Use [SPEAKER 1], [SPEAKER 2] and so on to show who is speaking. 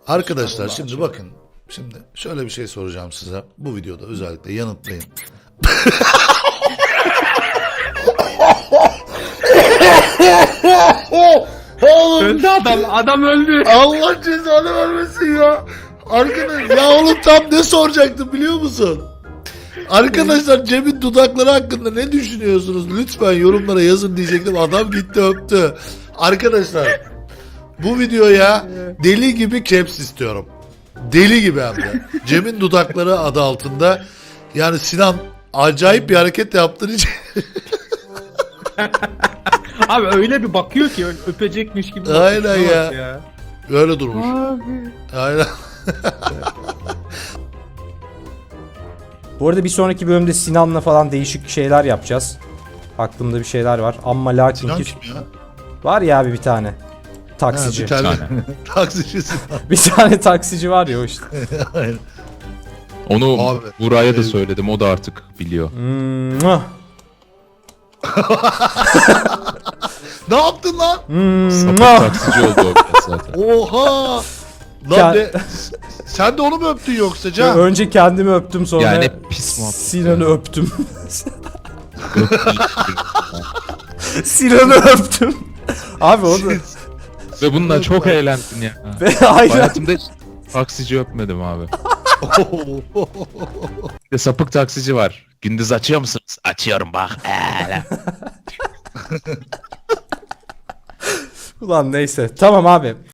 [SPEAKER 1] Arkadaşlar şimdi bakın. Şimdi şöyle bir şey soracağım size. Bu videoda özellikle yanıtlayın.
[SPEAKER 2] Öldü adam. Adam öldü.
[SPEAKER 1] Allah cezanı vermesin ya. Arkadaş ya oğlum tam ne soracaktım biliyor musun? Arkadaşlar Cem'in dudakları hakkında ne düşünüyorsunuz? Lütfen yorumlara yazın diyecektim. Adam gitti öptü. Arkadaşlar bu videoya deli gibi caps istiyorum. Deli gibi hem de. Cem'in dudakları adı altında. Yani Sinan acayip bir hareket yaptığın için.
[SPEAKER 2] Abi öyle bir bakıyor ki öpecekmiş gibi. bakıyor.
[SPEAKER 1] Aynen
[SPEAKER 2] Şuna
[SPEAKER 1] ya.
[SPEAKER 2] bak
[SPEAKER 1] Öyle durmuş.
[SPEAKER 2] Abi.
[SPEAKER 1] Aynen.
[SPEAKER 3] Bu arada bir sonraki bölümde Sinan'la falan değişik şeyler yapacağız. Aklımda bir şeyler var. Ama lakin
[SPEAKER 1] Sinan
[SPEAKER 3] ki
[SPEAKER 1] kim ya?
[SPEAKER 3] var ya abi bir tane.
[SPEAKER 1] Ha,
[SPEAKER 3] Taksici.
[SPEAKER 1] bir tane taksici Sinan.
[SPEAKER 3] Bir tane taksici var ya o işte.
[SPEAKER 1] Aynen.
[SPEAKER 4] Onu
[SPEAKER 1] Abi,
[SPEAKER 4] Buraya da söyledim, o da artık biliyor.
[SPEAKER 3] Mwah.
[SPEAKER 1] Ne yaptın lan?
[SPEAKER 4] Sapık
[SPEAKER 3] Mwah.
[SPEAKER 4] taksici oldu o biraz zaten.
[SPEAKER 1] Oha! Lan
[SPEAKER 3] Ya-
[SPEAKER 1] ne? Sen de onu mu öptün yoksa Can?
[SPEAKER 3] Önce kendimi öptüm sonra
[SPEAKER 4] Yani pis muhabbet.
[SPEAKER 3] Sinan'ı öptüm. Sinan'ı öptüm. Abi o da...
[SPEAKER 4] Ve bununla çok eğlendim ya.
[SPEAKER 3] Ve aynen.
[SPEAKER 4] Hayatımda hiç taksici öpmedim abi. Bir de sapık taksici var. Gündüz açıyor musunuz? Açıyorum bak.
[SPEAKER 3] Ulan neyse. Tamam abi.